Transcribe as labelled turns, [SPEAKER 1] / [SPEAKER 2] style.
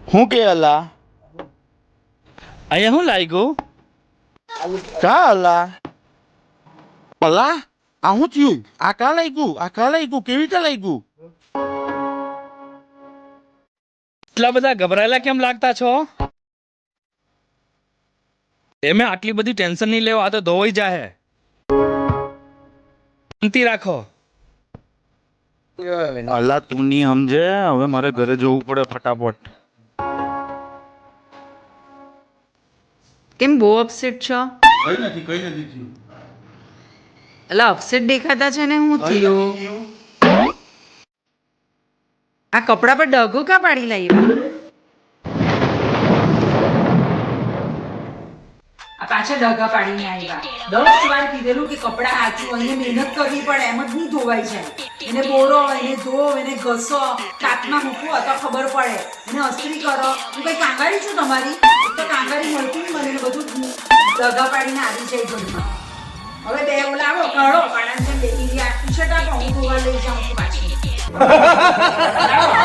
[SPEAKER 1] હું કે અલા
[SPEAKER 2] અહીંયા શું લાગ્યું?
[SPEAKER 1] કા અલા અલા આ શું થયું? આ કા લાગ્યું? કેવી રીતે લાગ્યું?
[SPEAKER 2] એટલા બધા ગભરાયેલા કેમ લાગતા છો? એમે આટલી બધી ટેન્શન નહીં લેવા, આ તો ધોવાઈ જાહે. શાંતિ રાખો.
[SPEAKER 1] અલા તું નહીં સમજે, હવે મારે ઘરે જવું પડે ફટાફટ.
[SPEAKER 3] કેમ બહુ અપસેટ છો?
[SPEAKER 1] કઈ નથી થયું.
[SPEAKER 3] એટલે અપસેટ દેખાતા છે ને, હું થયું? આ કપડા પર ડગો કા પાડી લાવ્યા? આ પાછા ડગા પાડીને આવ્યા. 10 વાર કીધેલું કે કપડા હાચું, એને મહેનત કરવી પડે, એમ જ નહીં ધોવાય છે. એને બોરો, એને ધો, એને ઘસો, કાચમાં મૂકો તો ખબર પડે. એને અસ્ત્રી કરો. હું કઈ કાંગારી છું તમારી? તો કાંગારી મળતી નહીં મને, બધું ડગા પાડીને આવી જાય ઘરમાં. હવે બે ઓલાવો કાઢો, પાડાને બેટી આખી છટા પણ હું ધોવા લઈ જાઉં છું પાછી. લાવો.